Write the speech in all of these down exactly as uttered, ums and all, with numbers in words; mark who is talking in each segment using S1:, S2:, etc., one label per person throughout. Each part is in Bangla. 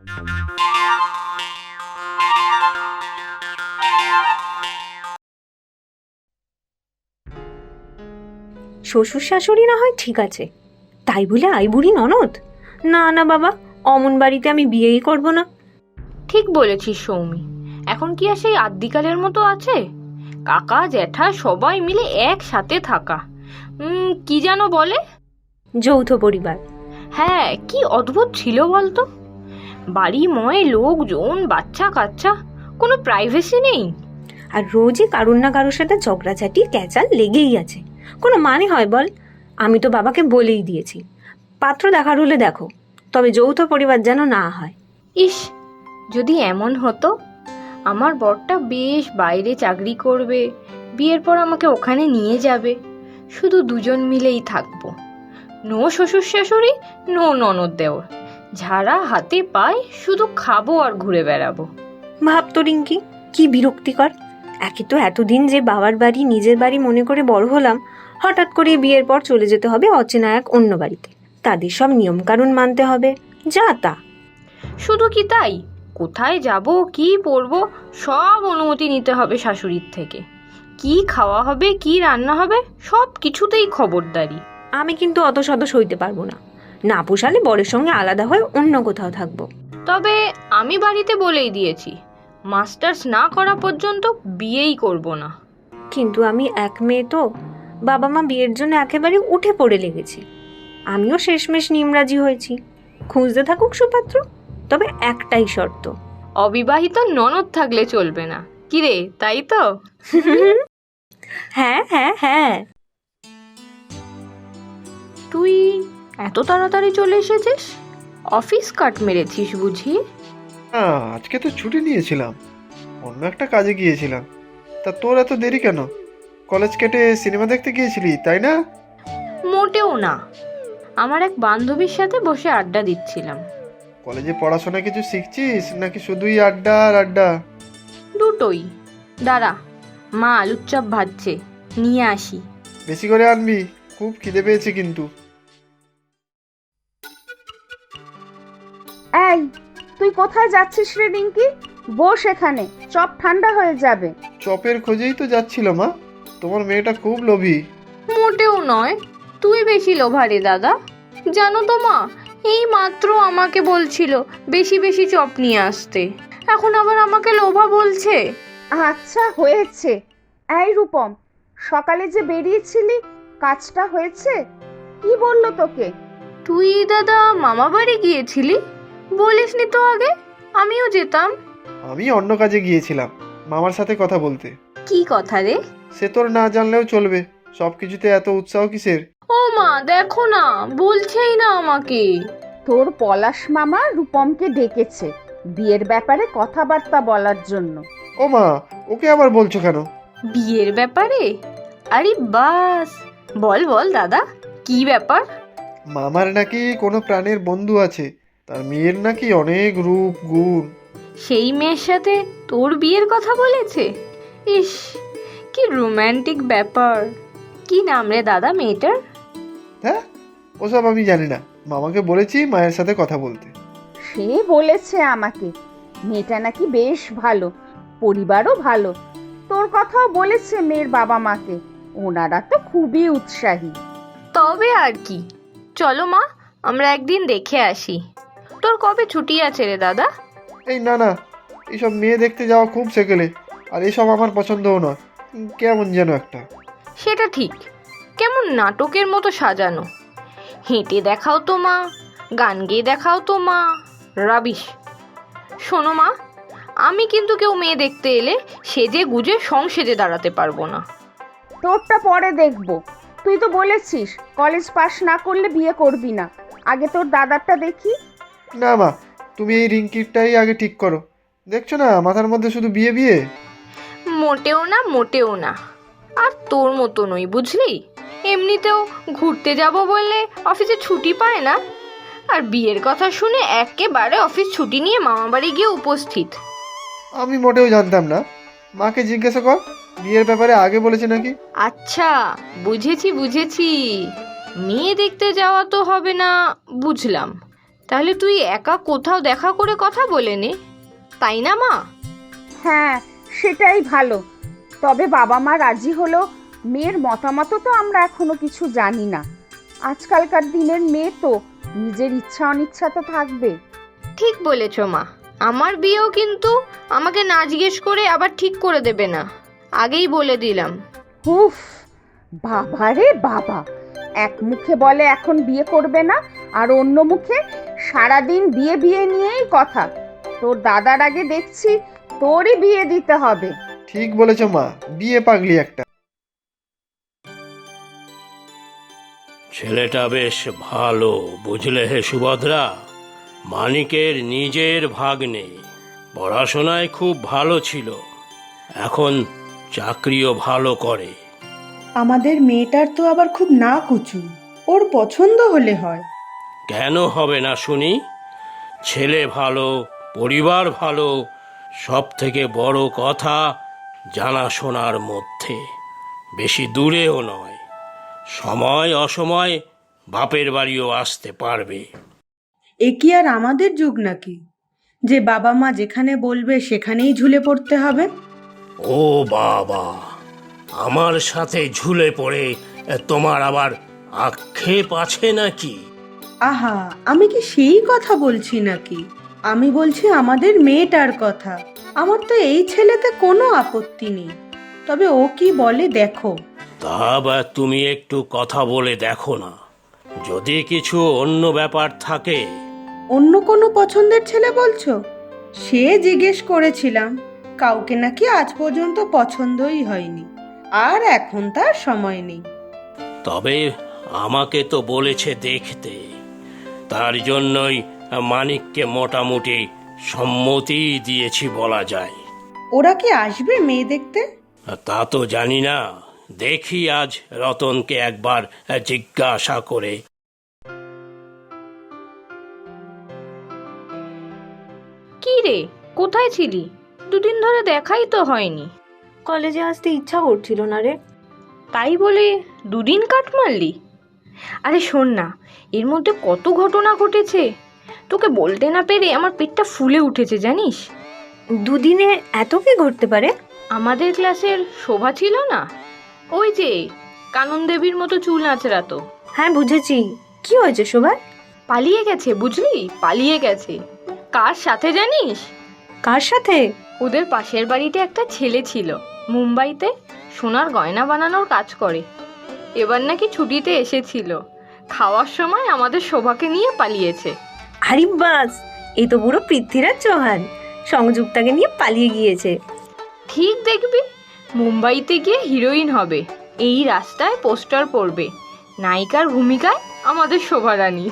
S1: শ্বশুর শাশুড়ি না হয় ঠিক আছে, তাই বলে আই বুড়ি ননদ? না না বাবা, অমন বাড়িতে আমি বিয়েই করব না।
S2: ঠিক বলেছিস সৌমি, এখন কি আর সেই আদ্যিকালের মতো আছে? কাকা জ্যাঠা সবাই মিলে একসাথে থাকা, উম কি যেন বলে,
S1: যৌথ পরিবার।
S2: হ্যাঁ, কি অদ্ভুত ছিল বলতো। বাড়িময় লোকজন, বাচ্চা কাচ্চা, কোনো প্রাইভেসি নেই।
S1: আর রোজই কারুর না কারোর সাথে ঝগড়াঝাটি ক্যাচাল লেগেই আছে। কোনো মানে হয় বল? আমি তো বাবাকে বলেই দিয়েছি, পাত্র দেখার হলে দেখো, তবে যৌথ পরিবার যেন না হয়।
S2: ইস, যদি এমন হতো, আমার বরটা বেশ বাইরে চাকরি করবে, বিয়ের পর আমাকে ওখানে নিয়ে যাবে, শুধু দুজন মিলেই থাকবো। নো শ্বশুর শাশুড়ি, নো ননদ দেওর, ঝাড়া হাতে পায়, শুধু খাবো আর ঘুরে বেড়াবো।
S1: ভাবতো রিঙ্কি, কি বিরক্তিকর। একে তো এতদিন যে বাবার বাড়ি নিজের বাড়ি মনে করে বড় হলাম, হঠাৎ করে বিয়ের পর চলে যেতে হবে অচেনা এক অন্য বাড়িতে, তাদের সব নিয়ম কানুন মানতে হবে, যা তা।
S2: শুধু কি তাই, কোথায় যাব, কি পরবো, সব অনুমতি নিতে হবে শাশুড়ির থেকে। কি খাওয়া হবে, কি রান্না হবে, সব কিছুতেই খবরদারি।
S1: আমি কিন্তু অত শত সইতে পারবো না, না পোষালে বরের সঙ্গে আলাদা হয়ে অন্য কোথাও থাকবো।
S2: তবে আমি বাড়িতে বলেই দিয়েছি, মাস্টার্স না করা পর্যন্ত বিয়েই করব না।
S1: কিন্তু আমি এক মেয়ে তো, বাবা মা বিয়ের জন্য একেবারে উঠে পড়ে লেগেছি। আমিও শেষমেশ নিমরাজি হয়েছি, খুঁজতে থাকুক সুপাত্র, তবে একটাই শর্ত।
S2: অবিবাহিত ননদ থাকলে চলবে না, কিরে তাই তো?
S1: হ্যাঁ হ্যাঁ হ্যাঁ।
S2: তুই এত তাড়াতাড়ি চলে এসেছিস? অফিস কাট মেরেছিস বুঝি?
S3: না, আজকে তো ছুটি নিয়েছিলাম, অন্য একটা কাজে গিয়েছিলাম। তা তোর এত দেরি কেন? কলেজ কেটে সিনেমা দেখতে গিয়েছিলি তাই না?
S2: মোটেও না, আমার এক বান্ধবীর সাথে বসে আড্ডা দিচ্ছিলাম।
S3: কলেজে পড়াশোনা কিছু শিখছিস নাকি শুধুই আড্ডা আর আড্ডা?
S2: দুটোই। দাঁড়া, মা আলুর চপ ভাজছে, নিয়ে আসি।
S3: বেশি করে আনবি, খুব খিদে পেয়েছে কিন্তু।
S4: এই, তুই কোথায় যাচ্ছিস রে রিঙ্কি? বস এখানে, চপ ঠান্ডা হয়ে যাবে।
S3: চপের খোঁজেই তো যাচ্ছিল মা, তোমার মেয়েটা খুব লোভী।
S2: মোটেও নয়, তুই বেশি লোভারে দাদা। জানো তো মা, এই মাত্র আমাকে বলছিল বেশি বেশি চপ নিয়ে আসতে, এখন আবার আমাকে লোভা বলছে।
S4: আচ্ছা হয়েছে। এই রূপম, সকালে যে বেরিয়েছিলি, কাজটা হয়েছে? কি বললো তোকে?
S2: তুই দাদা মামা বাড়ি গিয়েছিলি, বলিসনি তো আগে, আমিও যেতাম।
S3: আমি অন্য কাজে গিয়েছিলাম, মামার সাথে কথা বলতে।
S2: কি কথা রে?
S3: সে তোর না জানলেও চলবে, সব কিছুতে এত উৎসাহ কিসের?
S2: ও মা, দেখো না, বলছেই না আমাকে।
S4: তোর পলাশ মামা রূপমকে ডেকেছে বিয়ের ব্যাপারে কথাবার্তা বলার জন্য।
S3: ও মা, ওকে আবার বলছো কেন?
S2: বিয়ের ব্যাপারে? আরে বাস, বল বল দাদা, কি ব্যাপার?
S3: মামার নাকি কোনো প্রাণের বন্ধু আছে, তার মেয়ের নাকি অনেক রূপ গুণ।
S2: সেই মেয়ের সাথে তোর বিয়ের কথা বলেছে? ইস, কি রোম্যান্টিক ব্যাপার। কি নাম রে দাদা মেয়েটার?
S3: হ্যাঁ, ওসব আমি জানি না, মামাকে বলেছি মায়ের সাথে কথা বলতে।
S4: সে বলেছে আমাকে, মেয়েটা নাকি বেশ ভালো, পরিবারও ভালো। তোর কথাও বলেছে মেয়ের বাবা মাকে, ওনারা তো খুবই উৎসাহী।
S2: তবে আর কি, চলো মা, আমরা একদিন দেখে আসি। তোর কবে ছুটি আছে রে দাদা?
S3: এই না না, এইসব মেয়ে দেখতে যাওয়া খুব সেকেলে, আর এসব আমার পছন্দও নয়, উম, কেমন যেন একটা।
S2: সেটা ঠিক, কেমন নাটকের মতো সাজানো। হেঁটে দেখাও তো মা, গান গেয়ে দেখাও তো মা, রাবিশ। শোনো মা, আমি কিন্তু কেউ মেয়ে দেখতে এলে সেজে গুজে সংসেজে দাঁড়াতে পারবো না।
S4: তোরটা পরে দেখবো। তুই তো বলেছিস কলেজ পাশ না করলে বিয়ে করবি না, আগে তোর দাদারটা দেখি।
S3: না মা, তুমি এই রিঙ্কিরটাই আগে ঠিক করো, দেখছো না মাথার মধ্যে শুধু বিয়ে বিয়ে।
S2: মোটেও না, মোটেও না। আর তোর মতো নই বুঝলি, এমনিতেও ঘুরতে যাব বললে অফিসে ছুটি পায় না, আর বিয়ের কথা শুনে একেবারে অফিস ছুটি নিয়ে মামা বাড়ি গিয়ে উপস্থিত।
S3: আমি মোটেও জানতাম না, মাকে জিজ্ঞাসা কর, বিয়ের ব্যাপারে আগে বলেছে নাকি।
S2: আচ্ছা, বুঝেছি বুঝেছি, মেয়ে দেখতে যাওয়া তো হবে না, বুঝলাম। তাহলে তুই একা কোথাও দেখা করে কথা বলে নে, তাই না মা?
S4: হ্যাঁ, সেটাই ভালো। তবে বাবা মা রাজি হলো, মেয়ের মতামত তো আমরা এখনো কিছু জানি না। আজকালকার দিনের মেয়ে তো নিজের ইচ্ছা অনিচ্ছা তো থাকবে।
S2: ঠিক বলেছ মা, আমার বিয়েও কিন্তু আমাকে না জিজ্ঞেস করে আবার ঠিক করে দেবে না, আগেই বলে দিলাম।
S4: উফ, বাবা রে বাবা, এক মুখে বলে এখন বিয়ে করবে না, আর অন্য মুখে সারাদিন বিয়ে বিয়ে নিয়েই কথা। তোর দাদার আগে দেখছি তোরই বিয়ে দিতে হবে।
S3: ঠিক বলেছ মা, বিয়ে পাগলি একটা।
S5: ছেলেটা বেশ ভালো, বুঝলে হে সুভদ্রা। মানিকের নিজের ভাগ্নে, পড়াশোনায় খুব ভালো ছিল, এখন চাকরিও ভালো করে।
S6: আমাদের মেয়েটার তো আবার খুব না কুচু, ওর পছন্দ হলে হয়।
S5: কেন হবে না শুনি? ছেলে ভালো, পরিবার ভালো, সব থেকে বড় কথা জানাশোনার মধ্যে, বেশি দূরেও নয়, সময় অসময় বাপের বাড়িও আসতে পারবে।
S6: এ কি আর আমাদের যুগ নাকি যে বাবা মা যেখানে বলবে সেখানেই ঝুলে পড়তে হবে?
S5: ও বাবা, আমার সাথে ঝুলে পড়ে তোমার আবার আক্ষেপ আছে নাকি?
S6: আহা, আমি কি সেই কথা বলছি নাকি? আমি বলছি আমাদের মেয়েটার কথা। আমার তো এই ছেলেতে কোনো আপত্তি নেই, তবে ও কি বলে দেখো।
S5: তা বা তুমি একটু কথা বলে দেখো না, যদি কিছু অন্য ব্যাপার থাকে।
S6: অন্য কোনো পছন্দের ছেলে বলছো? সে জিজ্ঞেস করেছিলাম, কাউকে নাকি আজ পর্যন্ত পছন্দই হয়নি, আর এখন তার সময় নেই।
S5: তবে আমাকে তো বলেছে দেখতে, তার জন্যই মানিককে মোটামুটি সম্মতি দিয়েছি বলা যায়।
S6: ওরা কি আসবে মেয়ে দেখতে?
S5: তা তো জানি না, দেখি আজ রতনকে একবার জিজ্ঞাসা করে।
S2: কি রে, কোথায় ছিলি? দুদিন ধরে দেখাই তো হয়নি।
S1: কলেজে আসতে ইচ্ছা করছিল না রে।
S2: তাই বলে দুদিন কাট মারলি? আরে শোন না, এর মধ্যে কত ঘটনা ঘটেছে, তোকে বলতে না পেরে আমার পেটটা ফুলে উঠেছে জানিস।
S1: দুদিনে এত কি ঘটতে পারে?
S2: আমাদের ক্লাসের শোভা ছিল না, ওই যে কানন দেবীর মতো চুল আঁচড়াতো,
S1: হ্যাঁ বুঝেছি, কি হয়েছে শোভার?
S2: পালিয়ে গেছে বুঝলি, পালিয়ে গেছে। কার সাথে জানিস?
S1: কার সাথে?
S2: ওদের পাশের বাড়িতে একটা ছেলে ছিল, মুম্বাইতে সোনার গয়না বানানোর কাজ করে। এবার নাকি ছুটিতে এসেছিল, খাওয়ার সময় আমাদের শোভাকে নিয়ে পালিয়েছে।
S1: আরে বাস, এই তো পুরো পৃথ্বীরাজ চৌহান সংযুক্তাকে নিয়ে পালিয়ে গিয়েছে।
S2: ঠিক দেখবি, মুম্বাইতে গিয়ে হিরোইন হবে, এই রাস্তায় পোস্টার পড়বে, নায়িকার ভূমিকায় আমাদের শোভারানী।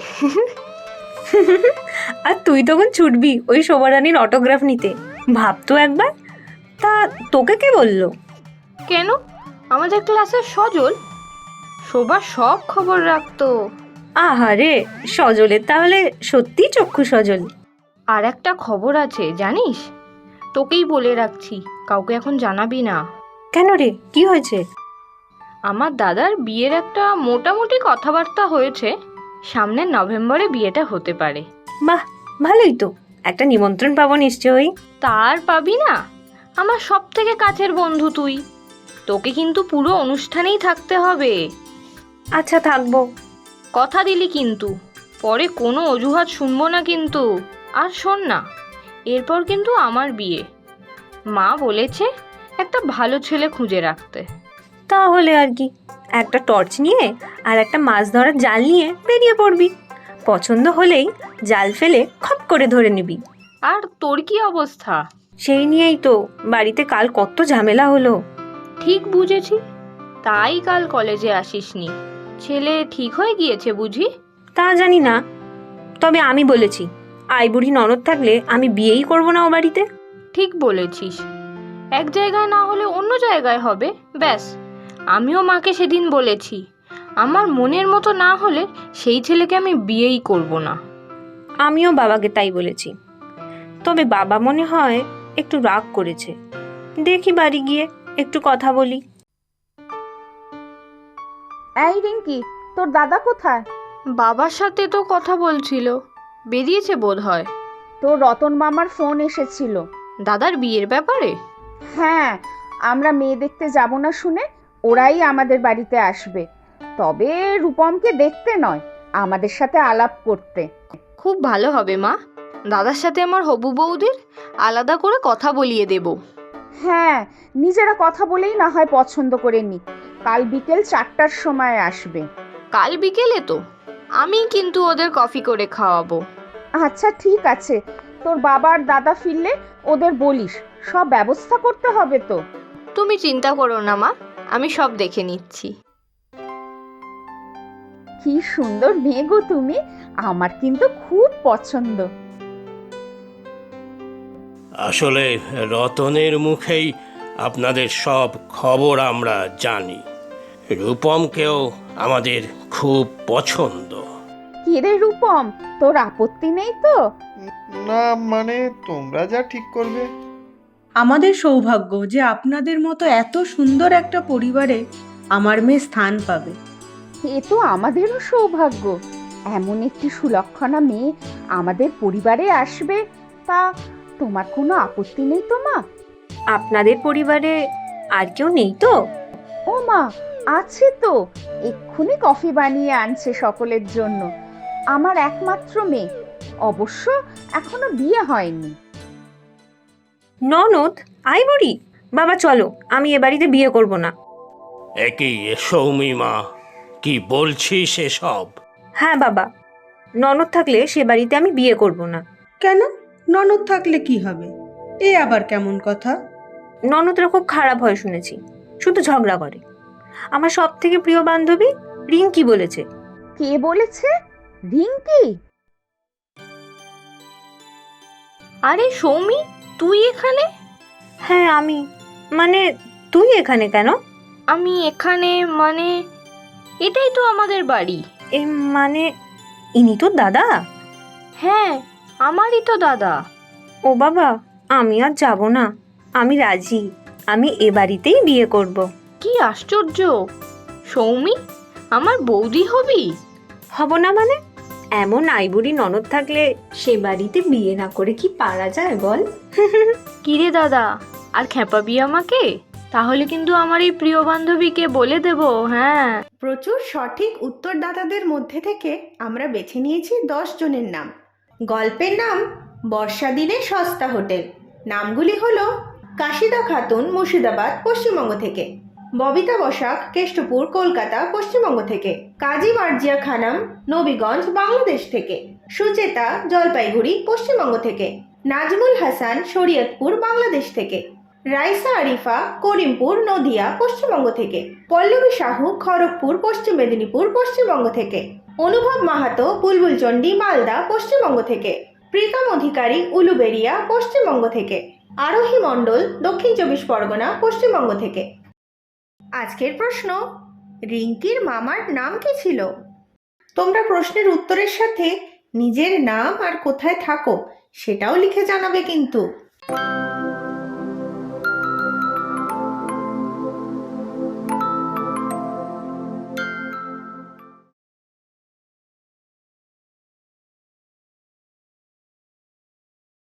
S1: আর তুই তখন ছুটবি ওই শোভারানীর অটোগ্রাফ নিতে, ভাবতো একবার। তা তোকে কে বললো?
S2: কেন, আমাদের ক্লাসের সজল, শোভা সব খবর রাখতো।
S1: আহারে, সজলের তাহলে সত্যি চক্ষু সজল।
S2: আর একটা খবর আছে জানিস, তোকেই বলে রাখছি, কাউকে এখন জানাবি না।
S1: কেন রে, কি হয়েছে?
S2: আমার দাদার বিয়ের একটা মোটামুটি কথাবার্তা হয়েছে, সামনের নভেম্বরে বিয়েটা হতে পারে।
S1: বাহ, ভালোই তো, একটা নিমন্ত্রণ পাবো নিশ্চয়ই।
S2: তার পাবি না, আমার সব থেকে কাছের বন্ধু তুই, তোকে কিন্তু পুরো অনুষ্ঠানেই থাকতে হবে।
S1: আচ্ছা থাকবো।
S2: কথা দিলি কিন্তু, পরে কোনো অজুহাত শুনবো না কিন্তু। আর শোন না, এরপর কিন্তু আমার বিয়ে, মা বলেছে একটা ভালো ছেলে খুঁজে রাখতে।
S1: তাহলে আর কি, একটা টর্চ নিয়ে আর একটা মাছ ধরার জাল নিয়ে বেরিয়ে পড়বি, পছন্দ হলেই জাল ফেলে খপ করে ধরে নিবি।
S2: আর তোর কি অবস্থা?
S1: সেই নিয়েই তো বাড়িতে কাল কত ঝামেলা হলো।
S2: ঠিক বুঝেছি, তাই কাল কলেজে আসিসনি। ছেলে ঠিক হয়ে গিয়েছে বুঝি?
S1: তা জানি না, তবে আমি বলেছি আই বুড়ি ননদ থাকলে আমি বিয়েই করবো না ও বাড়িতে।
S2: ঠিক বলেছিস, এক জায়গায় না হলে অন্য জায়গায় হবে, ব্যাস। আমিও মাকে সেদিন বলেছি, আমার মনের মতো না হলে সেই ছেলেকে আমি বিয়েই করব না।
S1: আমিও বাবাকে তাই বলেছি, তবে বাবা মনে হয় একটু রাগ করেছে। দেখি বাড়ি গিয়ে একটু কথা বলি।
S4: এই রিঙ্কি, তোর দাদা কোথায়?
S2: বাবার সাথে তো কথা বলছিল, বেরিয়েছে বোধ হয়।
S4: তোর রতন মামার ফোন এসেছিল।
S2: দাদার বিয়ের ব্যাপারে?
S4: হ্যাঁ, আমরা মেয়ে দেখতে যাব না শুনে ওরাই আমাদের বাড়িতে আসবে। তবে রূপমকে দেখতে নয়, আমাদের সাথে আলাপ করতে।
S2: খুব ভালো হবে মা। দাদার সাথে আমার হবু বৌদির আলাদা করে কথা বলিয়ে দেব।
S4: হ্যাঁ, নিজেরা কথা বলেই না হয় পছন্দ করে নি। কাল বিকেল চারটার সময় আসবে।
S2: কাল বিকেলে তো আমি কিন্তু ওদের কফি করে খাওয়াবো।
S4: আচ্ছা ঠিক আছে, তোর বাবার দাদা ফিরলে ওদের বলিস, সব ব্যবস্থা করতে হবে তো।
S2: তুমি চিন্তা করো না মা, আমি সব দেখে নিচ্ছি।
S4: কি সুন্দর মেয়ে গো তুমি, আমার কিন্তু খুব পছন্দ।
S5: আসলে রতনের মুখেই আপনাদের সব খবর আমরা জানি। রূপমকেও আমাদের খুব পছন্দ।
S4: কিরে রূপম, তোর আপত্তি নেই তো?
S3: না মানে তোমরা যা ঠিক করবে।
S6: আমাদের সৌভাগ্য যে আপনাদের মতো এত সুন্দর একটা পরিবারে আমার মেয়ে স্থান পাবে।
S4: এ তো আমাদেরও সৌভাগ্য, এমন একটি সুলক্ষণা মেয়ে আমাদের পরিবারে আসবে। তা তোমার কোনো আপত্তি নেই তো মা?
S1: আপনাদের পরিবারে আর কেউ নেই তো?
S4: ও মা, আছে তো, এক্ষুনি কফি বানিয়ে আনছে সকলের জন্য। আমার একমাত্র মেয়ে, অবশ্য এখনো বিয়ে হয়নি।
S1: ননদ আইবরি, বাবা চলো, আমি এ বাড়িতে বিয়ে করব না।
S5: একই সৌমি মা, কি বলছিস এসব?
S1: হ্যাঁ বাবা, ননদ থাকলে সে বাড়িতে আমি বিয়ে করব না।
S6: কেন? ননদ থাকলে কি হবে? এ আবার কেমন কথা?
S1: ননদরা খুব খারাপ হয় শুনেছি, শুধু ঝগড়া করে। আমার সব থেকে প্রিয় বান্ধবী রিঙ্কি বলেছে।
S4: কে বলেছে? রিঙ্কি?
S2: আরে সৌমি, তুই এখানে?
S1: হ্যাঁ আমি। মানে তুই এখানে কেন?
S2: আমি এখানে মানে এটাই তো আমাদের বাড়ি।
S1: এ মানে ইনি তো দাদা?
S2: হ্যাঁ, আমারই তো দাদা।
S1: ও বাবা, আমি আর যাব না, আমি রাজি, আমি এ বাড়িতেই বিয়ে করব।
S2: কি আশ্চর্য! সৌমি, আমার বৌদি হবি?
S1: হব না মানে? এমন আইবুড়ি ননদ থাকলে সে বাড়িতে বিয়ে না করে কি পারা যায় বল?
S2: কিরে দাদা, আর খেপাবি আমাকে? তাহলে কিন্তু আমার এই প্রিয় বান্ধবীকে বলে দেব। হ্যাঁ,
S7: প্রচুর সঠিক উত্তরদাতাদের মধ্যে থেকে আমরা বেছে নিয়েছি দশ জনের নাম। গল্পের নাম বর্ষা দিনে সস্তা হোটেল। নামগুলি হলো কাশিদা খাতুন, মুর্শিদাবাদ, পশ্চিমবঙ্গ থেকে; ববিতা বসাক, কেষ্টপুর, কলকাতা, পশ্চিমবঙ্গ থেকে; কাজী মার্জিয়া খানম, নবীগঞ্জ, বাংলাদেশ থেকে; সুচেতা, জলপাইগুড়ি, পশ্চিমবঙ্গ থেকে; নাজমুল হাসান, শরীয়তপুর, বাংলাদেশ থেকে; রাইসা আরিফা, করিমপুর, নদিয়া, পশ্চিমবঙ্গ থেকে; পল্লবী সাহু, খড়গপুর, পশ্চিম মেদিনীপুর, পশ্চিমবঙ্গ থেকে; অনুভব মাহাতো, বুলবুলচন্ডী, মালদা, পশ্চিমবঙ্গ থেকে; প্রীতম অধিকারী, উলুবেড়িয়া, পশ্চিমবঙ্গ থেকে; আরোহী মণ্ডল, দক্ষিণ চব্বিশ পরগনা, পশ্চিমবঙ্গ থেকে। আজকের প্রশ্ন, রিঙ্কির মামার নাম কি ছিল? তোমরা প্রশ্নের উত্তরের সাথে নিজের নাম আর কোথায় থাকো সেটাও লিখে জানাবে কিন্তু।